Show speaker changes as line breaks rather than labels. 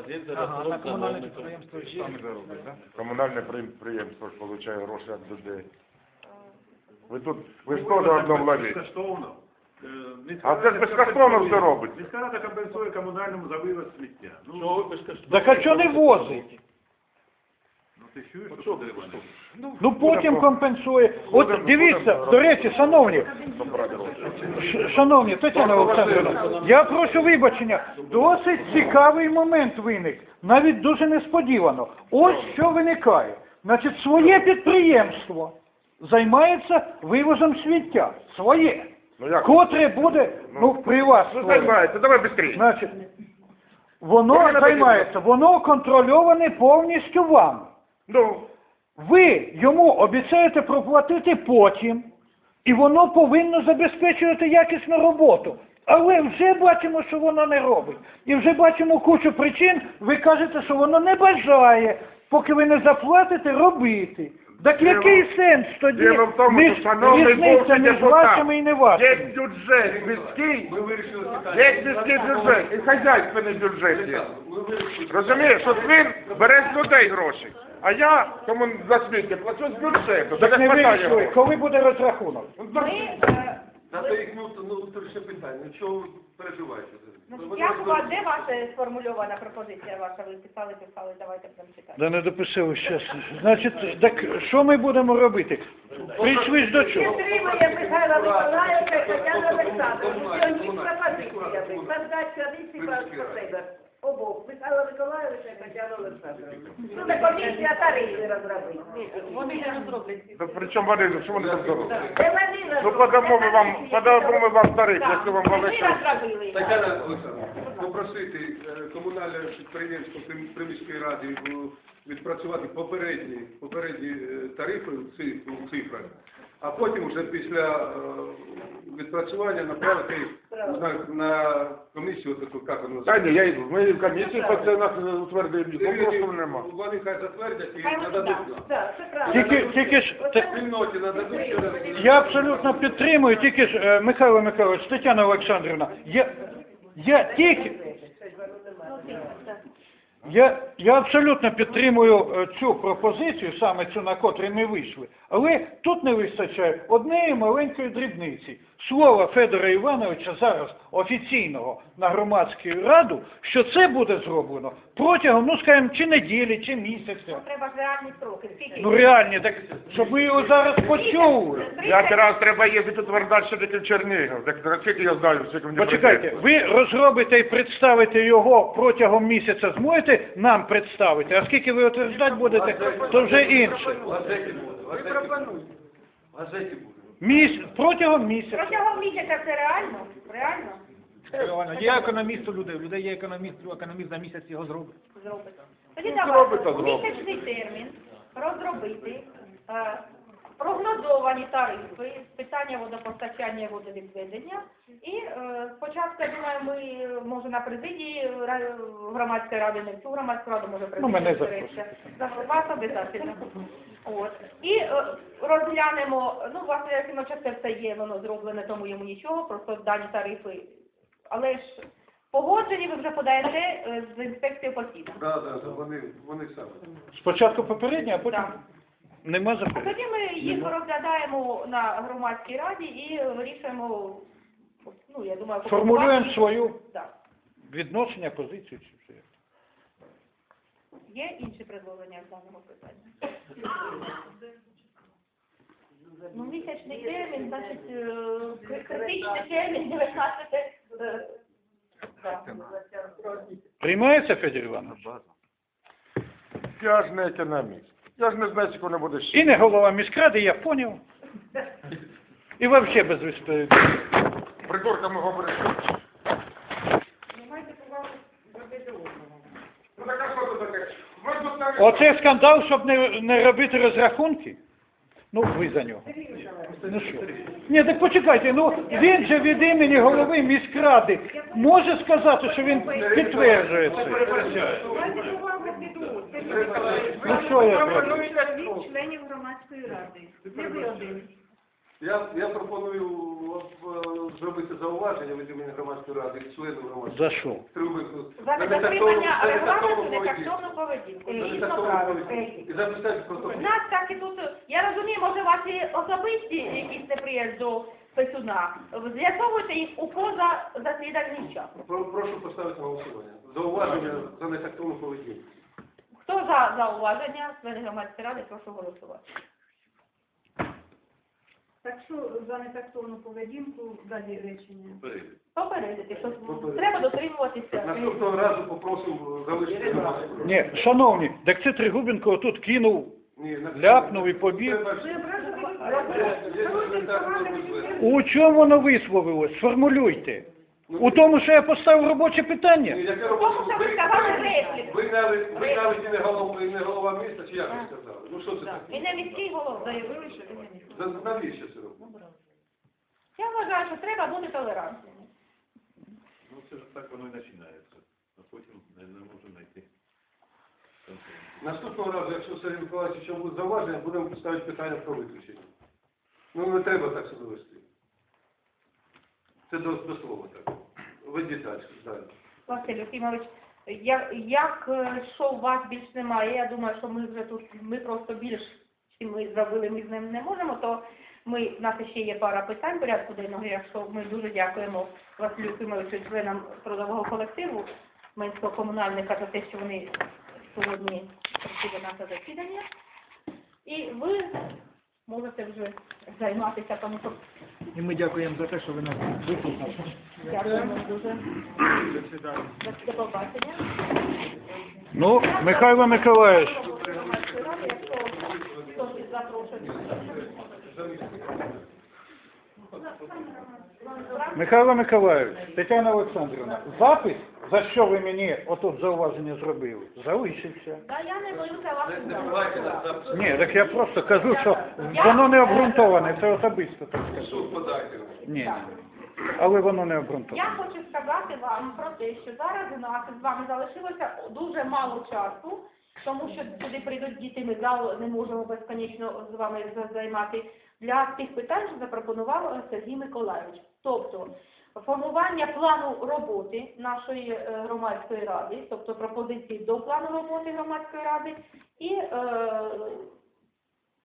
депозит за
Ага, на
рахунок
комунальне
замовника.
підприємство самі заробить, так?
Комунальне підприємство ж отримує гроші від людей. Ви ж теж одно владієте.
Безкоштовно.
А це ж безкоштовно все робить.
Міська рада компенсує комунальному за вивоз сміття.
Чого ви безкоштовно?
Так а що не возить?
Ну ти чуєш, що Андрій Іванович?
Ну потім компенсує. От дивіться, до речі, шановні, Тетяна Олександрівна, я прошу вибачення, досить цікавий момент виник, навіть дуже несподівано. Ось що виникає. Значить, своє підприємство займається вивозом сміття. Своє.
Ну як?
Котре буде, при вас.
Ну займається, давай швидше.
Значить, воно займається, воно контрольоване повністю вами.
Ну,
Ви йому обіцяєте проплатити потім, і воно повинно забезпечувати якісну роботу. Але вже бачимо, що воно не робить. І вже бачимо кучу причин, ви кажете, що воно не бажає, поки ви не заплатите, робити. Так який сенс тоді
діло в тому, що, шановний
різниця
бувший
між
депутат,
вашими і не
є
вашими?
бюджет міський, є міський бюджет, і хазяйственний бюджет є. Розумієш, от він бере з людей гроші, а я кому за сміття плачу з бюджету.
Так не
хватає
вирішує,
грошей.
коли буде розрахунок?
Це їх, ще питання. Ну, чого ви переживаєте?
Як у вас, де ваша сформульована пропозиція ваша? Ви писали, давайте будемо читати.
Да не дописав щас. Значить, так що ми будемо робити? Прийшли ж до чого?
Підтримує Михайла Миколаївна і Тетяна Олександровна. Сьогодні пропозиція. Создати комісію по себе. Обох. Михайла Миколаївна і Тетяна Олександровна. Ну, це комісія тарифи розробити. Вони не розроблять.
Та при чому вони, що вони там зроблять?
Це вони
Ну, подамо ми вам тариф, якщо вам велике.
Тетяна Олександровна, попросити комунальне підприємство при міській раді відпрацювати попередні тарифи в цифрах, а потім вже після відпрацювання направити на комісію, як воно
Та ні, ми в комісії по це нас утвердили, нікого нема.
Вони хай затвердять і нададуть.
Тільки ж,
Спільноті нададуть ще раз.
я абсолютно підтримую, тільки ж, Михайло Михайлович, Тетяна Олександрівна, я абсолютно підтримую цю пропозицію, саме цю, на котрій ми вийшли, але тут не вистачає однієї маленької дрібниці. Слова Федора Івановича зараз офіційного на громадську раду, що це буде зроблено протягом, скажімо, чи неділі, чи місяця.
Треба ж реальні строки. Скільки?
Ну реальні, так, щоб ми його зараз почули.
Як раз треба їздити утверждати, що таке в Чернігів. Так скільки я знаю, скільки мені
Почекайте, ви розробите і представите його протягом місяця, зможете нам представити, а скільки ви утверждати будете, то вже інше.
Ви пропонуєте. Газеті буде.
Протягом місяця.
Протягом місяця це реально? Реально?
Є економіст у людей є економіст за місяць його зробить.
Зробити. Тоді
зробить,
давайте
то
у місячний термін розробити прогнозовані тарифи з питання водопостачання і водовідведення. І спочатку, я думаю, ми, може, на президії громадської ради, не в цю громадську раду, може,
мене
президія. Вас обов'язково. От. І розглянемо, власне, Якимовича це все є, воно зроблене, тому йому нічого, просто дані тарифи. Але ж погоджені ви вже подаєте з інспекцією посів.
Так, вони самі.
Спочатку попередньо, а потім
Так.
нема
А
заперечень.
тоді ми їх розглядаємо на громадській раді і вирішуємо, я думаю,
Формулюємо свою
Так.
відношення, позицію. Чи все.
Є інші предложення в даному питанні? Місячний термін, значить, критичний термін 19.
Приймається, Федір Іванович?
Я ж не економіст. Я ж не знаю, скільки воно буде ще.
І не голова міськради, я поняв. І взагалі без відповідальності.
Придурками говорити. Ну так а що це таке? Ви тут навіть...
Оце скандал, щоб не робити розрахунки? Ну, ви за нього. Ну що? Ні, так почекайте, він же від імені голови міськради може сказати, що він підтверджує це? Ну що я зроблю?
Членів громадської ради. Не ви один.
Я пропоную зробити зауваження від імені громадської ради і членів громадської
За що?
ради.
За недотримання регламенту, нетактовну поведінку. Дійсно правильно.
І записати протокол.
У нас так і тут, я розумію, може, у вас є особисті якісь неприязь до Писуна. З'ясовуйте їх у позасідальний час.
Прошу поставити на голосування. Зауваження за нетактовну поведінку.
Хто за зауваження, члени громадської ради, прошу голосувати.
Так що за нетактовну поведінку далі речення?
Попередити, що треба дотримуватися.
Наступного разу попросимо залишити громадську раду.
Ні, шановні, так це Тригубенко отут кинув,
Ні,
ляпнув і побіг.
Треба ж-
Ви
Є елементарні можливості.
У чому воно висловилось? Сформулюйте. У тому, що я поставив робоче питання?
Яке
Тому що ви сказали репліку.
ви навіть і не голова міста, чи як ви сказали? Ну що це таке?
І не міський голова.
заявили, що ви не міський.
Навіщо це робити?
Я вважаю, що треба бути толерантними.
Ну, це ж так воно і починається. А потім не можемо знайти консенсус.
Наступного разу, якщо Сергій Миколаївич ще буде зауваження, будемо ставити питання про виключення. Ну не треба так себе вести. Це до слова так. Ведіть далі.
Василь Ефімович, якщо у вас більш немає, я думаю, що ми вже тут, ми просто більш, чим ми зробили, ми з ним не можемо, то в нас ще є пара питань порядку денного, якщо ми дуже дякуємо Василю Ефімовичу, членам трудового колективу Менського комунальника за те, що вони сьогодні прийшли до нашого засідання. І ви можете вже займатися, тому що
І ми дякуємо за те, що ви нас вислухали.
дякуємо дуже. До побачення.
Ну, Михайло Миколаївич, Михайло Миколаївич, Тетяна Олександрівна, запис, за що ви мені отут зауваження зробили, залишився.
Та я не боюся вас.
Давайте нас записати.
Ні, так я просто кажу, що воно не обґрунтоване, це особисто так скажу.
Суд подайте.
Ні, але воно не обґрунтоване.
Я хочу сказати вам про те, що зараз у нас з вами залишилося дуже мало часу, тому що сюди прийдуть діти, ми зал не можемо безконечно з вами займати, для тих питань, що запропонував Сергій Миколаївич. Тобто, формування плану роботи нашої громадської ради, тобто пропозиції до плану роботи громадської ради і